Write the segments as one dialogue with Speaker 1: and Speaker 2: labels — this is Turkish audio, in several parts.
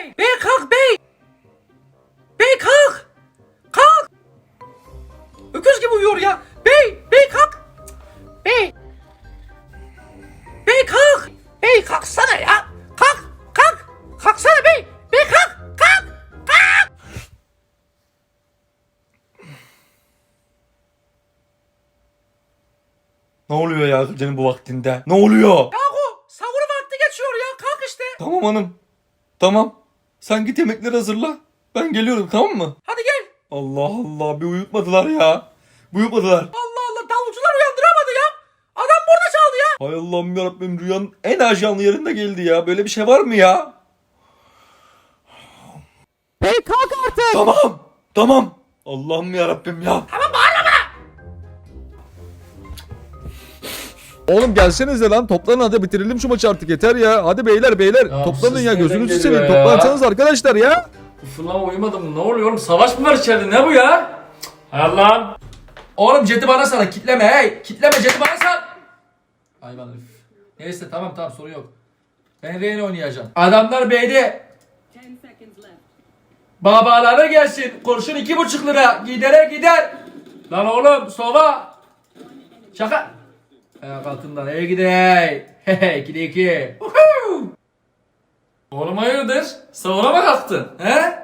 Speaker 1: Bey! Bey kalk bey! Bey kalk! Kalk! Öküz gibi uyuyor ya. Bey! Bey kalk! Bey! Bey kalk! Bey kalksana ya! Kalk! Kalk! Kalksana bey! Bey kalk! Kalk! Kalk!
Speaker 2: Ne oluyor ya gecenin bu vaktinde? Ne oluyor?
Speaker 1: Yahu sahur vakti geçiyor ya. Kalk işte.
Speaker 2: Tamam hanım. Tamam. Sen git yemekleri hazırla. Ben geliyorum, tamam mı?
Speaker 1: Hadi gel.
Speaker 2: Allah Allah, bir uyutmadılar ya. Bir uyutmadılar.
Speaker 1: Allah Allah, davulcular uyandıramadı ya. Adam burada çaldı ya.
Speaker 2: Hay Allah'ım yarabbim, rüyanın en ajanlı yerinde geldi ya. Böyle bir şey var mı ya?
Speaker 1: Bey kalk artık.
Speaker 2: Tamam. Tamam. Allah'ım yarabbim ya.
Speaker 1: Tamam bağırma.
Speaker 3: Oğlum gelsenize lan, toplanın hadi bitirelim şu maçı artık, yeter ya. Hadi beyler
Speaker 4: Ya
Speaker 3: toplanın
Speaker 4: siz
Speaker 3: ya,
Speaker 4: nereden
Speaker 3: gözünüzü
Speaker 4: geliyor
Speaker 3: seveyim,
Speaker 4: ya?
Speaker 3: toplansanız arkadaşlar ya.
Speaker 4: Ufuna uyumadım. Ne oluyor oğlum? Savaş mı var içeride? Ne bu ya? Allah'ım.
Speaker 1: Oğlum Jet'i bana sal. Kitleme hey. Kitleme, Jet'i bana sal.
Speaker 4: Hayvan herif. Neyse tamam sorun yok. Ben Reyna oynayacağım.
Speaker 1: Adamlar B'de.
Speaker 5: 10 seconds left.
Speaker 1: Babalara gelsin. Kurşun 2,5 lira. Gidere gider.
Speaker 4: Lan oğlum sova.
Speaker 1: Şaka. Ayak altından eve gidey. Hehe 2'de 2.
Speaker 4: Oğlum hayırdır? Savuna mı kalktın? He?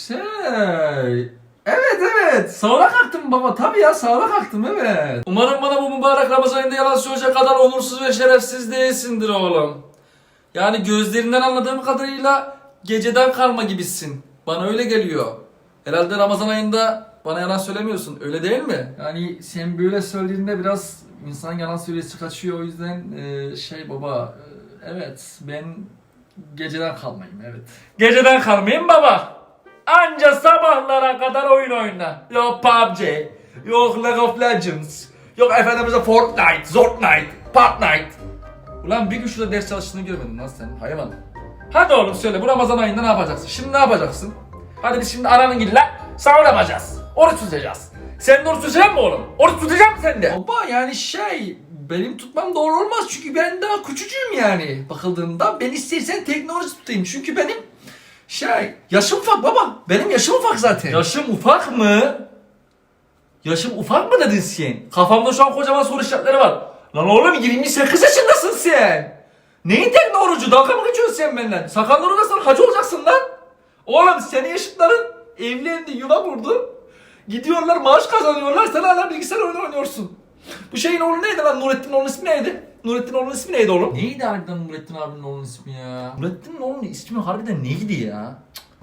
Speaker 4: Evet. Savuna kalktım baba. Tabii ya savuna kalktım evet. Umarım bana bu mübarek Ramazan ayında yalan söyleyecek kadar onursuz ve şerefsiz değilsindir oğlum. Yani gözlerinden anladığım kadarıyla geceden kalma gibisin. Bana öyle geliyor. Herhalde Ramazan ayında bana yalan söylemiyorsun. Öyle değil mi? Yani sen böyle söylediğinde biraz insan yalan söyleyesi kaçıyor. O yüzden baba evet ben geceden kalmayayım evet. Geceden kalmayayım baba. Anca sabahlara kadar oyun oyna. Yok PUBG, yok League of Legends, yok efendimize Fortnite, Zortnite, Fortnite. Ulan bir gün şurada ders çalıştığını görmedin lan sen hayvan. Hadi oğlum söyle bu Ramazan ayında ne yapacaksın? Şimdi ne yapacaksın? Hadi biz şimdi ananın gille sahur yapacağız. Oruç tutacağız. Sen de oruç tutacak mı oğlum? Oruç tutacak mısın sen de? Baba yani benim tutmam doğru olmaz çünkü ben daha küçücüğüm yani bakıldığında. Ben istersen teknoloji tutayım çünkü benim yaşım ufak baba. Benim yaşım ufak zaten. Yaşım ufak mı? Yaşım ufak mı dedin sen? Kafamda şu an kocaman soru işaretleri var. Lan oğlum 28 yaşındasın sen. Neyin teknoloji? Dalga mı geçiyorsun sen benden? Sakalları uzasan hacı olacaksın lan. Oğlum senin yaşıtların evlendi, yuva kurdu. Gidiyorlar maaş kazanıyorlar. Sen hala bilgisayar oyunu oynuyorsun. Bu şeyin oğlu neydi lan? Nurettin oğlunun ismi neydi? Nurettin oğlunun ismi neydi oğlum? Neydi harbiden Nurettin abinin oğlunun ismi ya? Nurettin'in oğlunun ismi harbiden neydi ya?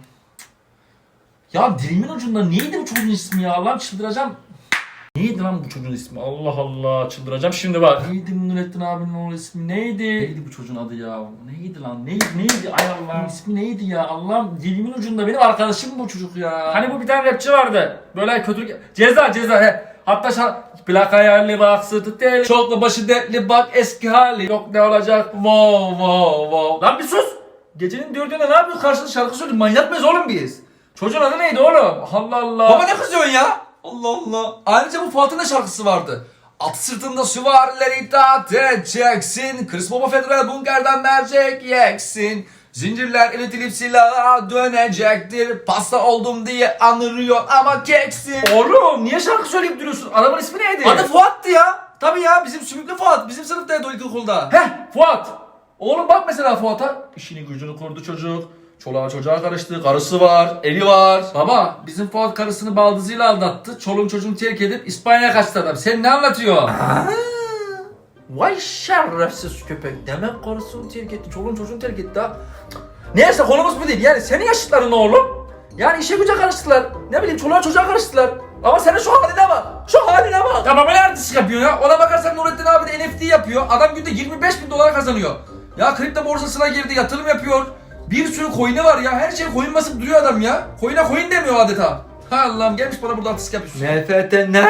Speaker 4: Ya dilimin ucunda neydi bu çocuğun ismi ya? Allah'ım çıldıracağım. Neydi lan bu çocuğun ismi? Allah Allah çıldıracağım şimdi bak. Neydi Nurettin abinin oğlunun ismi? Neydi bu çocuğun adı ya? Neydi lan? Neydi? Ay Allah'ım ismi neydi ya? Allah'ım dilimin ucunda benim arkadaşım bu çocuk ya. Hani bu bir tane rapçi vardı. Böyle kötülük... Ceza he. Hatta plak ayarlı bak sırtı tel. Çoklu başı dertli bak eski hali. Yok ne olacak? Wow. Lan bir sus. Gecenin 4'ünde ne yapıyorsun? Karşında şarkı söylüyorsun. Manyak mıyız oğlum biz? Çocuğun adı neydi oğlum? Allah Allah.
Speaker 1: Baba ne kızıyorsun ya? Allah Allah. Ayrıca bu Fuat'ın da şarkısı vardı. At sırtında süvarileri itaat edeceksin. Chris Baba Federal bunkerden mercek yeksin. Zincirler iletilip silaha dönecektir. Pasta oldum diye anırıyor ama keksin.
Speaker 4: Oğlum niye şarkı söyleyip duruyorsun? Adamın ismi neydi?
Speaker 1: Adı Fuat'tı ya. Tabii ya bizim sümüklü Fuat. Bizim sınıftaydı o ilkokulda.
Speaker 4: Fuat. Oğlum bak mesela Fuat'a. İşini gücünü kurdu çocuk. Çoluğa çocuğa karıştı. Karısı var. Evi var. Baba bizim Fuat karısını baldızıyla aldattı. Çoluğun çocuğunu terk edip İspanya'ya kaçtı adam. Sen ne anlatıyorsun? Vay şerefsiz köpek. Demek karısını terk etti. Çoluğun çocuğunu terk etti ha. Neyse konumuz bu değil. Yani senin yaşıtların oğlum. Yani işe güce karıştılar. Ne bileyim çoluğa çocuğa karıştılar. Ama senin şu haline bak. Şu haline bak.
Speaker 1: Tamam öyle artist yapıyor ya. Ona bakarsan Nurettin abi de NFT yapıyor. Adam günde 25.000 dolar kazanıyor. Ya kripto borsasına girdi, yatırım yapıyor. Bir sürü coin'i var ya. Her şey coin basıp duruyor adam ya. Coin'e coin demiyor adeta. Ha Allah'ım gelmiş bana burada artist yapıyorsun.
Speaker 4: NFT ne?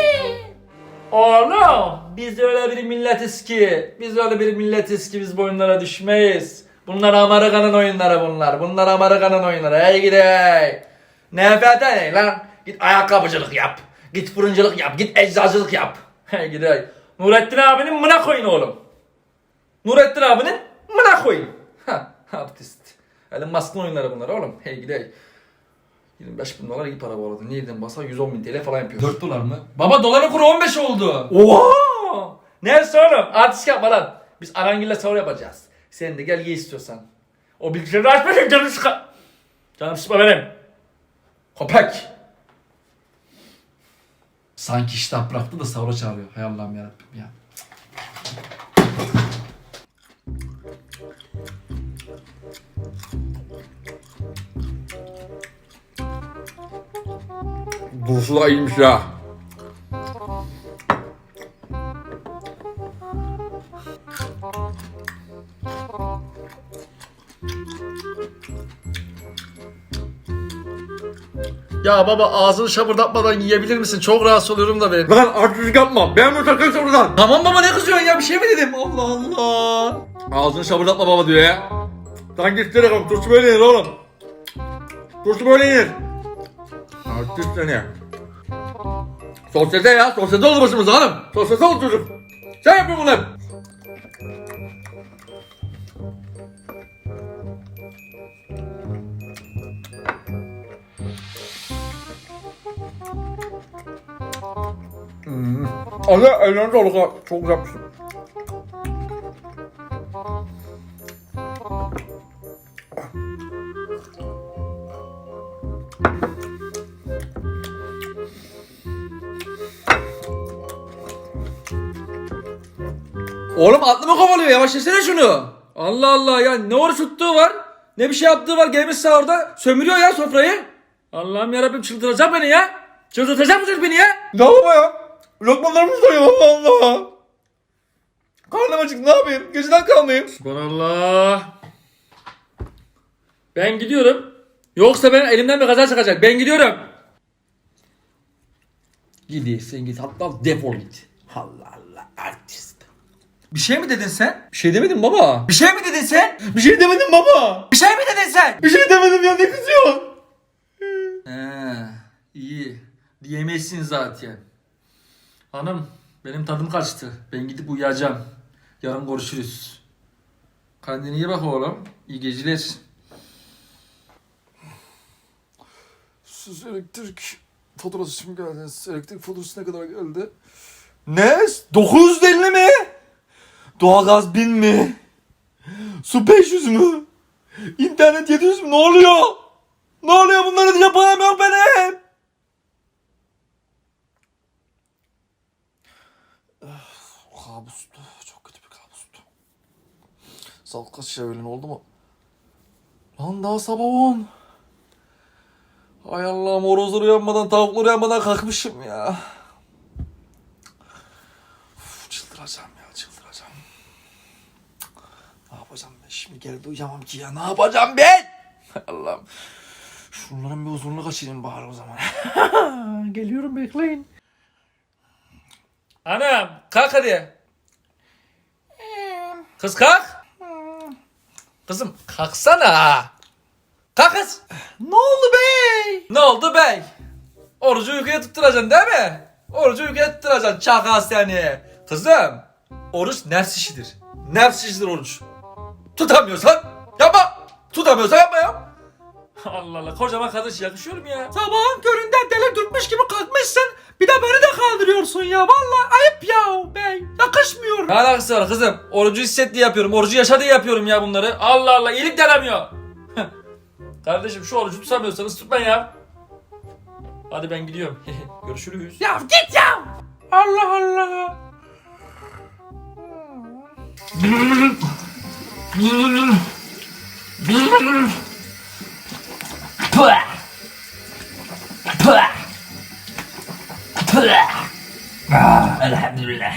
Speaker 4: Oğlum biz öyle bir milletiz ki. Biz bu oyunlara düşmeyiz. Bunlar Amerika'nın oyunları bunlar. Bunlar Amerika'nın oyunları. Hey gidey. NFT ne lan? Git ayakkabıcılık yap. Git fırıncılık yap. Git eczacılık yap. Hey gidey. Nurettin abinin mına koyun oğlum. Nurettin abinin mına koyun. Ha artist. Elon Musk'ın oyunları bunlar oğlum. Hey gidey. 25 bin dolar iyi para bu arada. Nereden basa 110 bin TL falan yapıyor.
Speaker 1: 4 dolar mı?
Speaker 4: Baba doların kuru 15 oldu. Oha! Neyse oğlum artist yapma lan. Biz Arangil'le sahur yapacağız. Sen de gel ye istiyorsan. O bilgisayarı açmasın canım sıkı. Canım sıkma benim. Köpek.
Speaker 1: Sanki iştah bıraktı da sahura çağırıyor. Hay Allah'ım yarabbim ya.
Speaker 2: Bursu da iyiymiş ya.
Speaker 4: Ya baba ağzını şapırdatmadan yiyebilir misin? Çok rahatsız oluyorum da benim.
Speaker 2: Lan artistlik yapma. Ben bu takım oradan.
Speaker 4: Tamam baba ne kızıyorsun ya bir şey mi dedim? Allah Allah.
Speaker 2: Ağzını şabırdatma baba diyor ya. Sanki isterim. Turşu böyle yenir oğlum. Turşu böyle yenir. Artist seni. Sosyete ya. Sosyete oldu başımıza hanım. Sosyete oldu çocuk. Sen yapıyorsun bunu hep. Anne ellerine sağlık ha. Çok güzel yapmışsın.
Speaker 4: Oğlum aklımı kovalıyor yavaş yesene şunu. Allah Allah ya ne oruç tuttuğu var. Ne bir şey yaptığı var gelmiş sahurda. Sömürüyor ya sofrayı. Allah'ım yarabbim çıldıracak beni ya. Çıldırtacak mısınız beni ya?
Speaker 2: Ne baba ya? Lokmalarımız doyuyor Allah Allah. Karnım acık ne yapayım? Geceden kalmayayım.
Speaker 4: Subhanallah. Ben gidiyorum. Yoksa ben elimden bir kaza çıkacak. Ben gidiyorum. Gidiyorsun git hatta defol git. Allah Allah artist. Bir şey mi dedin sen?
Speaker 2: Bir şey demedim baba.
Speaker 4: Bir şey mi dedin sen?
Speaker 2: Bir şey demedim baba.
Speaker 4: Bir şey mi dedin sen?
Speaker 2: Bir şey demedim ya ne kızıyorsun?
Speaker 4: İyi. Diyemezsin zaten. Hanım benim tadım kaçtı. Ben gidip uyuyacağım. Yarın görüşürüz. Kendine iyi bak oğlum. İyi geceler.
Speaker 2: Siz elektrik faturası için geldiniz. Elektrik faturası ne kadar geldi? Ne? 950 mi? Doğalgaz 1000 mi? Su 500 mü? İnternet 700 mü? Ne oluyor? Ne oluyor? Bunları ödeyecek param yok benim. Kabustu. Çok kötü bir kabustu. Saat kaç ya öğlen oldu mu? Lan daha sabah 10. Ay Allah'ım horozlar uyanmadan tavuklar uyanmadan kalkmışım ya. Uf, çıldıracağım ya çıldıracağım. Ne yapacağım ben şimdi geri de uyuyamam ki ya ne yapacağım ben? Hay Allah'ım. Şunların bir huzurunu kaçırayım bari o zaman. Geliyorum bekleyin.
Speaker 4: Anam kalk hadi. Kız kalk. Kızım kalksana. Kalk kız.
Speaker 2: Ne oldu bey?
Speaker 4: Ne oldu bey? Orucu uykuya tutturacaksın değil mi? Orucu uykuya tutturacaksın çakal seni. Kızım oruç nefs işidir. Nefs işidir oruç. Tutamıyorsan yapma. Tutamıyorsan yapma ya. Allah Allah kocaman kadın yakışıyor mu ya?
Speaker 1: Sabahın köründe deli dürtmüş gibi kalkmışsın. Bir de beni de kaldırıyorsun ya. Vallahi ayıp ya bey. Yakışmıyor.
Speaker 4: Ne alakası var kızım? Orucu hisset diye yapıyorum. Orucu yaşa diye yapıyorum ya bunları. Allah Allah iyilik denemiyor. Kardeşim şu orucu tutamıyorsanız tutmayın ya. Hadi ben gidiyorum. Görüşürüz.
Speaker 1: Ya git ya. Allah Allah.
Speaker 4: Elhamdülillah.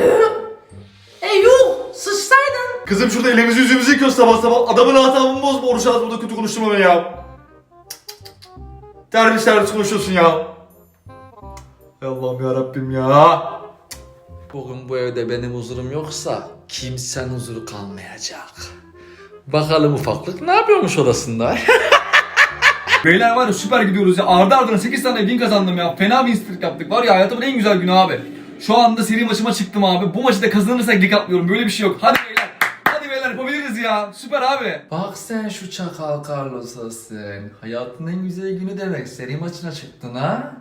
Speaker 2: Kızım şurada elimizi yüzümüzü yıkıyoruz sabah sabah. Adamın asabını bozma oruç ağzı burada kötü konuşturma beni ya. Terbiyesiz konuşuyorsun ya. Ey Allah'ım ya Rabbim ya.
Speaker 4: Bugün bu evde benim huzurum yoksa kimsenin huzuru kalmayacak. Bakalım ufaklık ne yapıyormuş odasında?
Speaker 1: Beyler var ya süper gidiyoruz ya. Ardı ardına 8 tane win kazandım ya. Fena win streak yaptık. Var ya hayatımın en güzel günü abi. Şu anda seri maçıma çıktım abi. Bu maçı da kazanırsak lig atlıyorum. Böyle bir şey yok. Hadi beyler. Hadi beyler yapabiliriz ya. ya. Süper abi.
Speaker 4: Bak sen şu çakal Carlos'a sen. Hayatının en güzel günü demek. Seri maçına çıktın ha?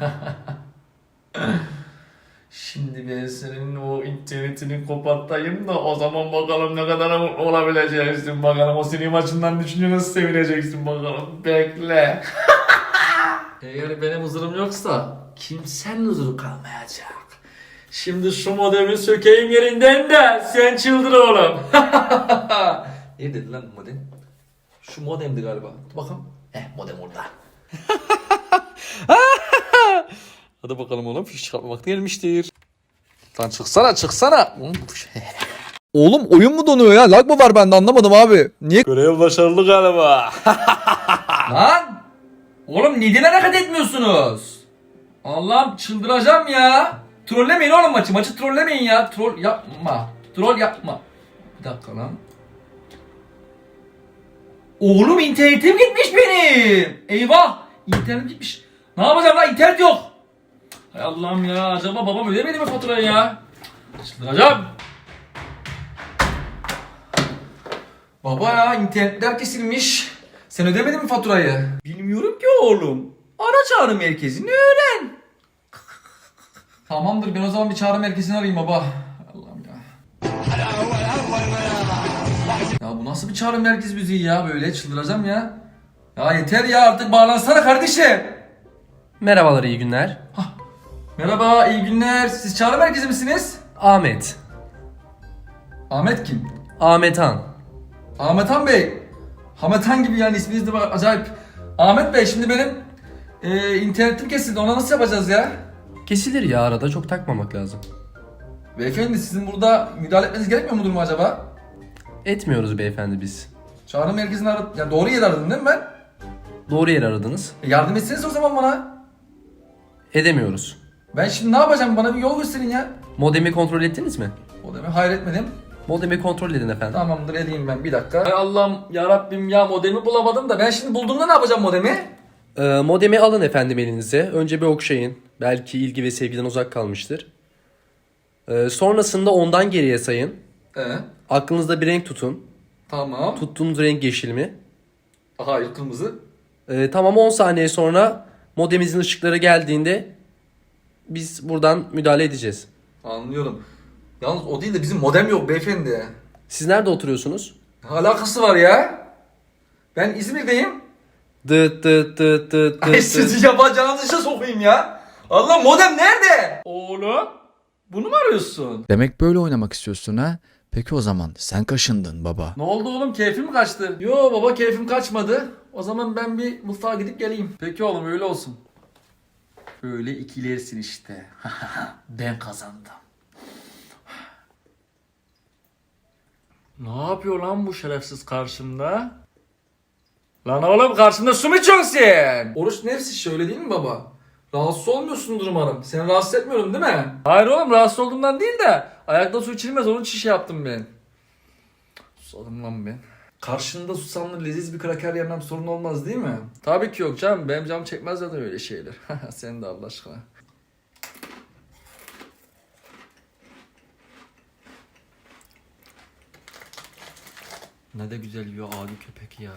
Speaker 4: Şimdi ben senin o internetini kopartayım da o zaman bakalım ne kadar mutlu olabileceksin bakalım. O seri maçından düşünce nasıl sevineceksin bakalım. Bekle. Eğer benim huzurum yoksa kimsenin huzuru kalmayacak. Şimdi şu modemi sökeyim yerinden de sen çıldır oğlum. Neredeydi lan bu modem? Şu modemdi galiba. Dur bakalım. Modem orada. Hadi bakalım oğlum, fiş çıkartma vakti gelmiştir. Lan çıksana.
Speaker 3: Oğlum oyun mu donuyor ya? Lag mı var bende anlamadım abi. Niye?
Speaker 4: Görev başarılı galiba.
Speaker 1: Lan! Oğlum neden hareket etmiyorsunuz? Allah'ım çıldıracağım ya. Trollemeyin oğlum maçı. Maçı trollemeyin ya. Troll yapma. Bir dakika lan. Oğlum internetim gitmiş benim. Eyvah. İnternet gitmiş. Ne yapacağım lan? İnternet yok. Hay Allah'ım ya. Acaba babam ödemedi mi faturayı ya? Çıldıracağım. Baba ya internetler kesilmiş. Sen ödemedin mi faturayı? Bilmiyorum ki oğlum. Ara çağrı merkezini öğren. Tamamdır, ben o zaman bir çağrı merkezini arayayım baba. Allah'ım ya. Ya bu nasıl bir çağrı merkez müziği ya, böyle çıldıracağım ya. Ya yeter ya, artık bağlansana kardeşim.
Speaker 5: Merhabalar, iyi günler.
Speaker 1: Merhaba, iyi günler. Siz çağrı merkezi misiniz?
Speaker 5: Ahmet.
Speaker 1: Ahmet kim?
Speaker 5: Ahmet Han.
Speaker 1: Ahmet Han Bey. Ahmet Han gibi yani, isminiz de acayip. Ahmet Bey, şimdi benim internetim kesildi. Ona nasıl yapacağız ya?
Speaker 5: Kesilir ya, arada çok takmamak lazım.
Speaker 1: Beyefendi, sizin burada müdahale etmeniz gerekmiyor mu durumu acaba?
Speaker 5: Etmiyoruz beyefendi biz.
Speaker 1: Çağrı merkezini aradım. Ya doğru yeri aradım değil mi ben?
Speaker 5: Doğru yeri aradınız.
Speaker 1: Yardım etseniz o zaman bana.
Speaker 5: Edemiyoruz.
Speaker 1: Ben şimdi ne yapacağım? Bana bir yol gösterin ya.
Speaker 5: Modemi kontrol ettiniz mi?
Speaker 1: O demek hayır etmedim.
Speaker 5: Modemi kontrol edin efendim.
Speaker 1: Tamamdır, edeyim ben, bir dakika. Hay Allah'ım ya Rabbim ya, modemi bulamadım da ben şimdi bulduğumda ne yapacağım modemi?
Speaker 5: Modemi alın efendim elinize. Önce bir okşayın. Belki ilgi ve sevgiden uzak kalmıştır. Sonrasında ondan geriye sayın. Aklınızda bir renk tutun.
Speaker 1: Tamam.
Speaker 5: Tuttuğunuz renk yeşil mi?
Speaker 1: Hayır, kırmızı.
Speaker 5: Tamam, 10 saniye sonra modemimizin ışıkları geldiğinde biz buradan müdahale edeceğiz.
Speaker 1: Anlıyorum. Yalnız o değil de bizim modem yok beyefendi.
Speaker 5: Siz nerede oturuyorsunuz?
Speaker 1: Ne alakası var ya? Ben İzmir'deyim.
Speaker 5: Dıt dıt dıt dıt
Speaker 1: Ay
Speaker 5: dıt.
Speaker 1: sizi yapacağınız işe sokayım ya. Allah, modem nerede?
Speaker 4: Oğlum, bunu mu arıyorsun?
Speaker 6: Demek böyle oynamak istiyorsun ha? Peki o zaman sen kaşındın baba.
Speaker 1: Ne oldu oğlum, keyfim mi kaçtı? Yo baba, keyfim kaçmadı. O zaman ben bir mutfağa gidip geleyim. Peki oğlum, öyle olsun. Böyle ikilersin işte. Ben kazandım.
Speaker 4: Ne yapıyor lan bu şerefsiz karşımda? Lan oğlum, karşımda su mu içiyorsun sen?
Speaker 1: Oruç nefsi şöyle değil mi baba? Rahatsız olmuyorsundur umarım. Seni rahatsız etmiyorum değil mi?
Speaker 4: Hayır oğlum, rahatsız olduğumdan değil de ayakta su içilmez, onun için şey yaptım ben. Susadım lan ben.
Speaker 1: Karşında susamlı leziz bir kraker yemem sorun olmaz değil mi?
Speaker 4: Tabii ki yok canım, benim canım çekmez zaten öyle şeyler. Sen de Allah aşkına. Ne de güzel yiyor adi köpek ya.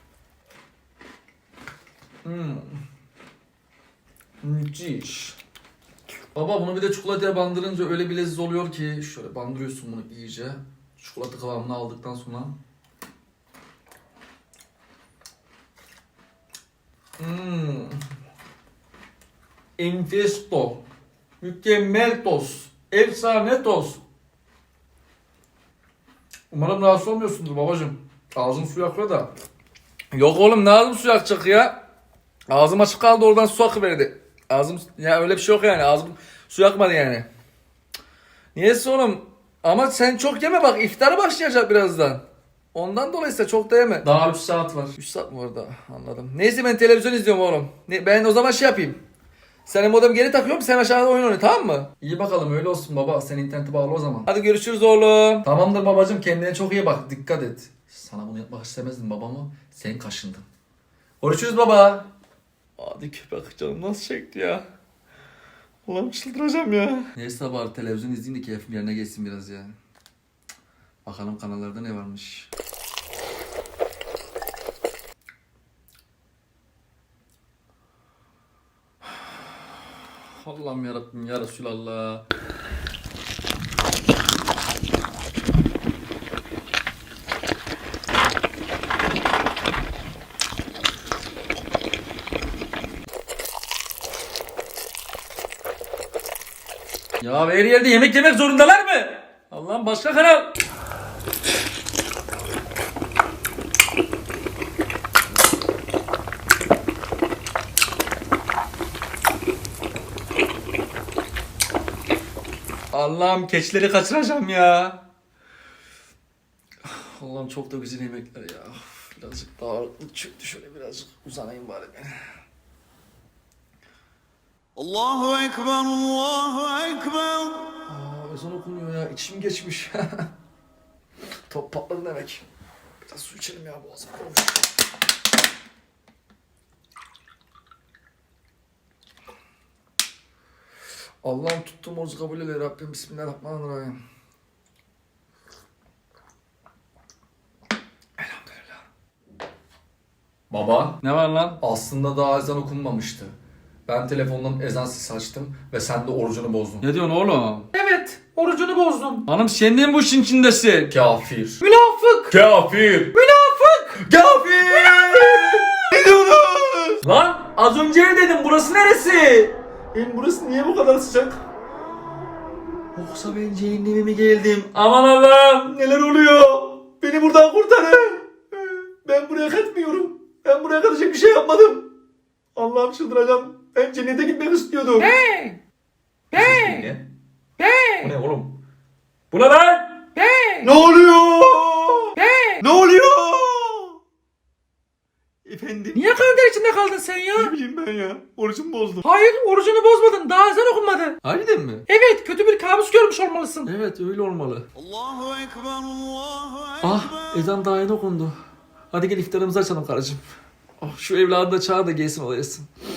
Speaker 1: Müthiş. Baba, bunu bir de çikolataya bandırınca öyle bir leziz oluyor ki. Şöyle bandırıyorsun bunu iyice. Çikolata kıvamını aldıktan sonra. Enfes tost. Mükemmel tost. Efsane tost. Umarım rahatsız olmuyorsundur babacığım. Ağzın suyu akıyor da.
Speaker 4: Yok oğlum, ne ağzım su yakacak ya? Ağzım açık kaldı, oradan su akıverdi. Ağzım, ya öyle bir şey yok yani, ağzım su yakmadı yani. Niyeyse oğlum, ama sen çok yeme bak, iftara başlayacak birazdan. Ondan dolayısıyla çok da yeme.
Speaker 1: Daha 3 saat var.
Speaker 4: 3 saat mi orada? Anladım. Neyse, ben televizyon izliyorum oğlum. Ben o zaman şey yapayım. Senin modem geri takıyorum, sen aşağıda oyun oyna, tamam mı?
Speaker 1: İyi bakalım, öyle olsun baba. Sen internete bağlı o zaman.
Speaker 4: Hadi görüşürüz oğlum.
Speaker 1: Tamamdır babacığım, kendine çok iyi bak. Dikkat et. Sana bunu yapmak istemezdim babama. Sen kaşındın. Görüşürüz baba.
Speaker 4: Hadi köpek, canım nasıl çekti ya. Ulan çıldıracağım ya.
Speaker 1: Neyse bari televizyon izleyeyim de keyfim yerine geçsin biraz ya. Bakalım kanallarda ne varmış. Allah'ım yarabbim ya Resulallah.
Speaker 4: Ya her yerde yemek yemek zorundalar mı? Allah'ım başka kanal.
Speaker 1: Allah'ım keçileri kaçıracağım ya. Allah'ım çok da güzel yemekler ya. Birazcık daha ağırlıklı çöktü, şöyle birazcık uzanayım bari ben.
Speaker 7: Allahu Ekber, Allahu Ekber.
Speaker 1: Ezan okunuyor ya, içim geçmiş. Top patladı demek. Biraz su içelim ya, boğazım kurumuş. Allah'ım tuttuğum orucu kabul eyle Rabbim. Bismillahirrahmanirrahim. Elhamdülillah. Baba,
Speaker 4: Ne var lan?
Speaker 1: aslında daha ezan okunmamıştı. Ben telefondan ezan sesi açtım ve sen de orucunu bozdun.
Speaker 4: Ne diyorsun oğlum? Evet, orucunu bozdum. Hanım sen de mi bu işin içindesin?
Speaker 1: Kafir.
Speaker 4: Münafık!
Speaker 1: Kafir.
Speaker 4: Münafık!
Speaker 1: Kafir. Ne diyorsun?
Speaker 4: Lan az önce ev dedim, burası neresi?
Speaker 1: Burası niye bu kadar sıcak? Yoksa ben cehenneme mi geldim?
Speaker 4: Aman Allah'ım!
Speaker 1: Neler oluyor? Beni buradan kurtarın. Ben buraya kaçmıyorum. Ben buraya kaçacak bir şey yapmadım. Allah'ım çıldıracağım. Ben cennete gitmek istiyordum.
Speaker 4: Ne?
Speaker 1: Ne? Bu ne oğlum?
Speaker 4: Bu ne lan?
Speaker 1: Ne oluyor? Ne oluyor? Efendim?
Speaker 8: Niye kalender içinde kaldın sen ya?
Speaker 1: Ne bileyim ben ya. Orucumu bozdum.
Speaker 8: Hayır, orucunu bozmadın. Daha ezan okunmadı.
Speaker 1: Harbiden mi?
Speaker 8: Evet, kötü bir kabus görmüş olmalısın.
Speaker 1: Evet öyle olmalı.
Speaker 7: Allahu Ekber, Allahu Ekber.
Speaker 1: Ah ezan daha yeni okundu. Hadi gel iftarımızı açalım karıcığım. Oh, şu evladı da çağır da gelsin olayasın.